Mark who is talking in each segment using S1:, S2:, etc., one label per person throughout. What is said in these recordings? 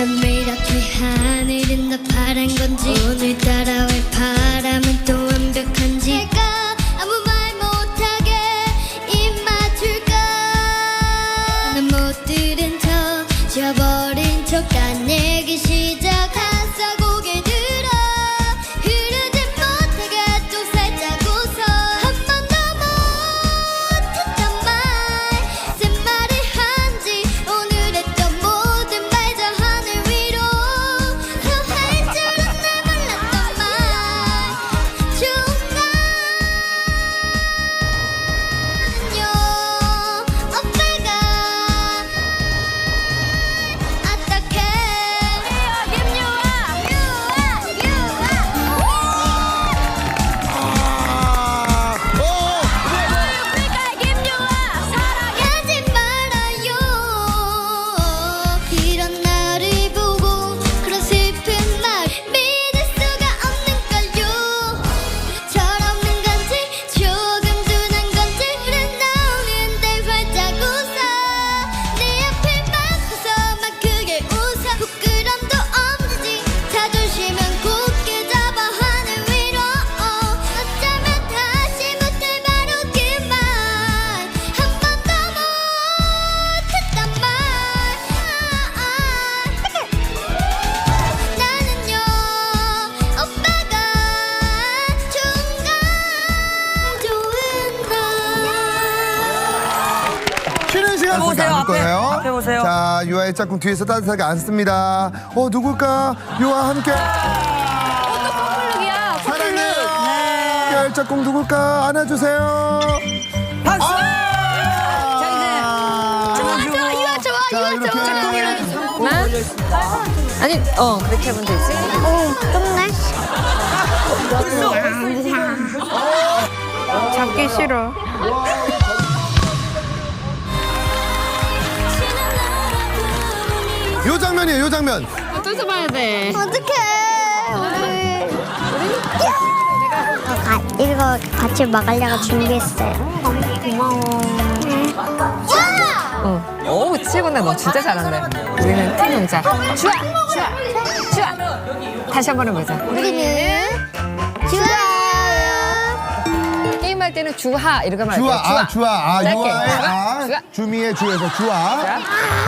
S1: 어쩜 이렇게 하늘은 더 파란 건지 오늘따라 왜 바람은 또 완벽한지 내가 아무 말 못하게 입 맞출까 난 못 들은 척 지워버린 척 까내기 시작했어 고개 들어 흐르지 못하게 또 살짝 웃어 한 번 더 못했던 말 쓴 말을 한지 오늘 했던 모든 말 저 하늘 위로 더 할 줄은 날 몰랐던 말 중간은요 오빠가 어떡해 사랑하지 말아요 이런 나를 보고 그런 슬픈 말 믿을 수가 없는걸요 철없는 건지 조금 둔한 건지 흘러나오는데 활짝 웃어 내 앞을 막고서 막 크게 웃어 부끄럼도 없는지 자존심은 굳게 잡아 하늘 위로 어쩌면 다시 못할 말하기만 한 번 더 못했단 말 나는요 오빠가 중간 좋은 날
S2: 쉬는 시간
S3: 앞에
S2: 쓰지
S3: 오세요,
S2: 않을
S3: 앞에.
S2: 거예요.
S3: 앞에 오세요.
S2: 자, 유아의 짝꿍 뒤에서 따뜻하게 앉습니다. 누굴까? 유아 함께. 사랑해. 유아의 짝꿍 누굴까? 안아주세요.
S3: 박수!
S2: 자, 이렇게.
S4: 아니, 그렇게 하면 되지.
S1: 좁네
S4: 잡기 싫어.
S2: 요 장면이에요, 요 장면.
S4: 어디서 봐야 돼?
S1: 어떡해 이거 같이 먹으려고 준비했어요 고마워
S4: 오, 치고나 너 진짜 잘한다. 우리는 팀 농자. 주아! 다시 한 번 해보자.
S1: 우리는 좋아요
S4: 게임할 때는 주하 이렇게 말할
S2: 주아,
S4: 거야.
S2: 주아.
S4: 짧게.
S2: 유아의
S4: 주아.
S2: 주미의 주에서 주아.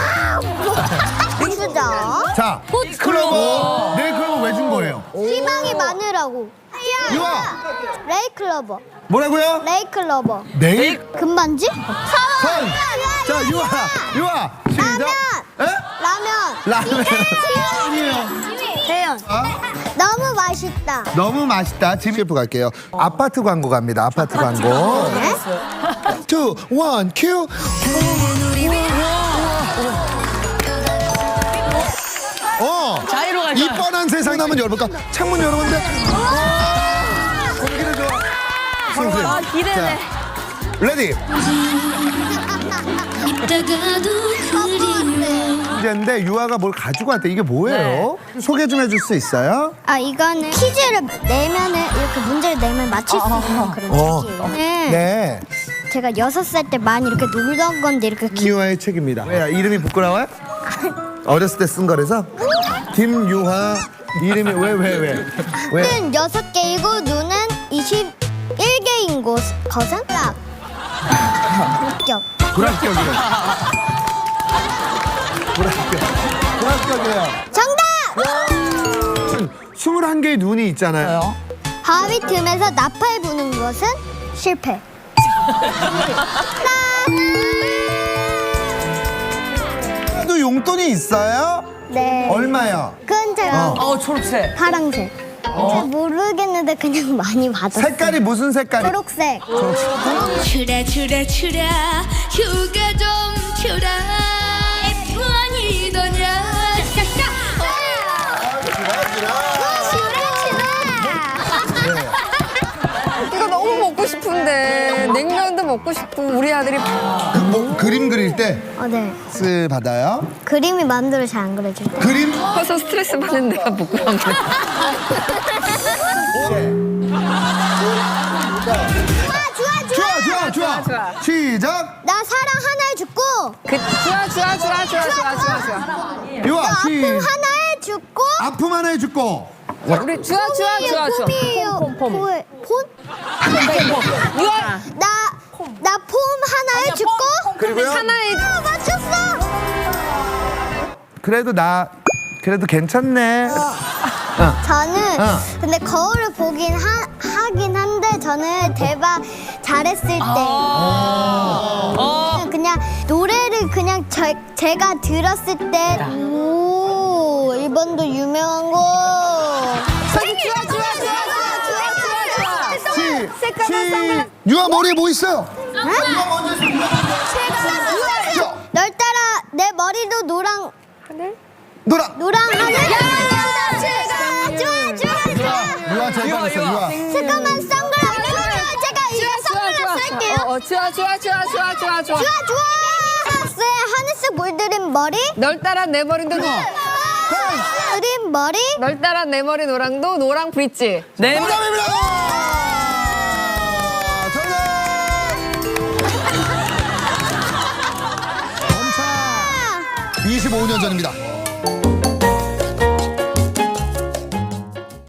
S1: 주자
S2: 자, 클로버. 네일 클로버 왜 준 거예요?
S1: 희망이 많으라고
S2: 유아.
S1: 레이클로버
S2: 뭐라고요?
S1: 레이클로버
S2: 네일
S1: 금반지?
S2: 선. 자, 유아. 시작. 에?
S1: 라면
S2: 라면.
S1: 대현 너무 맛있다
S2: 너무 맛있다. 지금 셰프 갈게요. 아파트 광고 갑니다. 아파트 광고.
S1: 네?
S2: 2, 1, 큐.
S3: 자이로 갈까요?
S2: 이 뻔한 세상에 한번 열어볼까? 창문 열어본데. 공기를 줘.
S3: 아, 기대돼.
S2: 레디.
S1: 이따가도 그리워
S2: 문제인데 유아가 뭘 가지고 왔대. 이게 뭐예요? 소개 좀 해줄 수 있어요?
S1: 아 이거는 퀴즈를 내면은 이렇게 문제를 내면 맞힐 수 있는 그런 책이에요
S2: 네.
S1: 제가 6살 때 많이 이렇게 놀던 건데 이렇게
S2: 김유아의 책입니다. 왜 이름이 부끄러워요? 어렸을 때 쓴 거라서? 김유아 이름이 왜?
S1: 눈 6개이고 눈은 21개인 것은 딱 합격
S2: 불합격이에요. 불합격이에요.
S1: 정답!
S2: 21개의 눈이 있잖아요.
S1: 바위 틈에서 나팔 부는 것은 실패
S2: 또 용돈이 있어요?
S1: 네
S2: 얼마요?
S1: 그건 제가
S3: 초록색.
S1: 파랑색 잘 모르겠는데 그냥 많이 받았어요
S2: 색깔이 무슨 색깔이?
S1: 초록색
S5: 추라 휴가 좀 추라 F1이더냐
S4: 이거 너무 먹고 싶은데. 냉면도 먹고 싶고, 우리 아들이.
S2: 뭐 그림 그릴 때
S1: 네.
S2: 스 받아요?
S1: 그림이 마음대로 잘 안 그려져요
S2: 그림?
S4: 커서 스트레스 받는 데가 부끄러운 거야.
S1: 좋아
S2: 좋아.
S4: 좋아.
S2: 시작.
S1: 나 사랑 하나에 죽고
S4: 좋아.
S2: 유아
S1: 나 아픔
S2: 시.
S1: 하나에 죽고
S2: 아픔 하나에 죽고.
S4: 우리 좋아.
S1: 폼이에요.
S4: 폼.
S1: 폼?
S4: 유아.
S1: 나 폼 하나에 죽고
S2: 그리고요.
S4: 하나에
S1: 맞췄어.
S2: 그래도 괜찮네.
S1: 저는
S2: 어.
S1: 근데 거울을 보긴 하긴 한데 저는 대박 잘했을 때 그냥 노래를 그냥 제가 들었을 때 오 이번도 유명한 거
S2: 유아 머리에 뭐 있어요?
S1: 널 따라 내 머리도 노랑 하늘 좋아
S2: 유아 제일 잘했어. 유아.
S1: 잠깐만 선글라스 제가 이거 선글라스 할게요
S4: 좋아.
S1: 좋아 선글라스에 하늘색 물들인 머리
S4: 널 따라 내 머리도
S1: 그린 머리
S4: 널 따라 내 머리 노랑도 노랑 브릿지.
S3: 네.
S2: 정답입니다. 정답. 25년 전입니다.